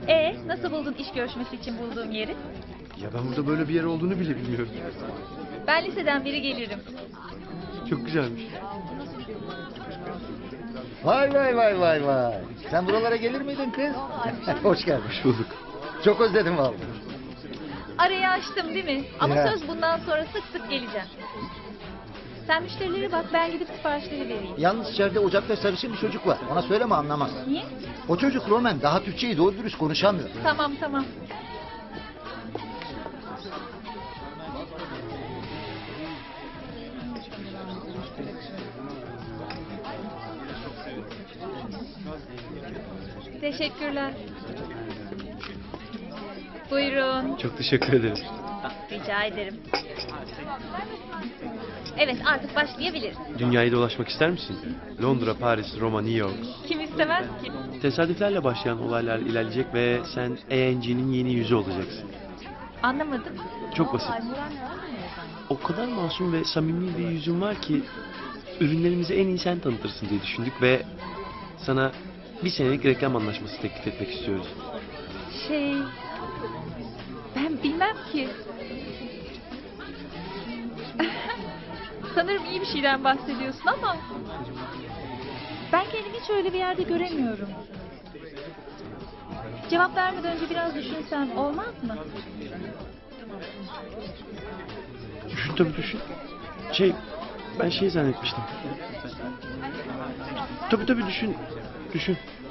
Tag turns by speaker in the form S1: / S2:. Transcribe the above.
S1: Nasıl buldun iş görüşmesi için bulduğum yeri?
S2: Ya ben burada böyle bir yer olduğunu bile bilmiyorum.
S1: Ben liseden beri gelirim.
S2: Çok güzelmiş.
S3: Vay vay vay vay vay. Sen buralara gelir miydin kız? Hoş geldin.
S2: Hoş bulduk.
S3: Çok özledim vallahi.
S1: Arayı açtım değil mi? Ama
S3: Ya.
S1: söz bundan sonra sık sık geleceğim. Sen müşterilere bak, ben gidip siparişleri vereyim.
S3: Yalnız içeride ocakta sarışın bir çocuk var. Ona söyleme, anlamaz.
S1: Niye?
S3: O çocuk Roman, daha Türkçeyi doğru dürüst konuşamıyor.
S1: Tamam. Teşekkürler. Buyurun.
S2: Çok teşekkür ederim.
S1: Rica ederim. Evet, artık başlayabiliriz.
S2: Dünyayı dolaşmak ister misin? Londra, Paris, Roma, New York.
S1: Kim istemez ki?
S2: Tesadüflerle başlayan olaylar ilerleyecek ve sen ANG'nin yeni yüzü olacaksın.
S1: Anlamadım.
S2: Çok basit. O kadar masum ve samimi bir yüzün var ki ürünlerimizi en iyi sen tanıtırsın diye düşündük ve sana bir senelik reklam anlaşması teklif etmek istiyoruz.
S1: Ben bilmem ki. Sanırım iyi bir şeyden bahsediyorsun ama ben kendimi hiç öyle bir yerde göremiyorum. Cevap vermeden önce biraz düşünsem olmaz mı?
S2: Düşün tabii düşün. Ben şey zannetmiştim. Tabii düşün. Düşün.